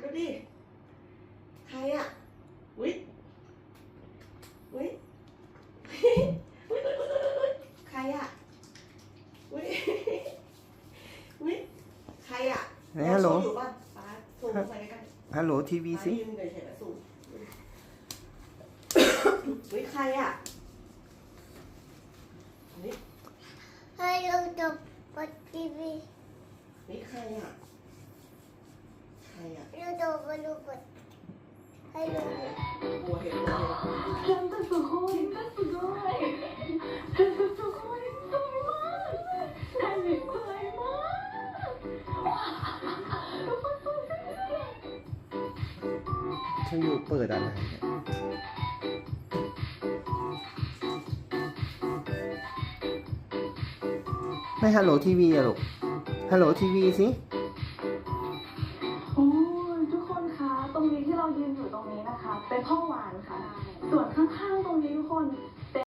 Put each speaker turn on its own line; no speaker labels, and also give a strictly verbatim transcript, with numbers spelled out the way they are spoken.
ดิใครอ่ะวิวิใครอ่ะวิวิใครอ่ะฮัลโหลอยู่ป่ะป้าสูงไปกัน
ฮัลโหลทีวีสิ
ยืนเฉยๆสูงวิใครอ่ะนี่
ให้เราดูบนทีวี
นี่ใครอ่ะใครอ่ะ
เราดูบนรูปให้ดู
บัวเห็นบัว
真的すごい真的すごい真的すごいสวยมากใช่สวยมากว้าวทุกคนสวยจังเลย
ช่างอยู่เปิดอะไรไม่ฮัลโหลทีวีอะลูกฮัลโหลทีวีสิ
โอ้ยทุกคนคะตรงนี้ที่เรายืนอยู่ตรงนี้นะคะเป็นห้องหวานค่ะส่วนข้างๆตรงนี้ทุกคน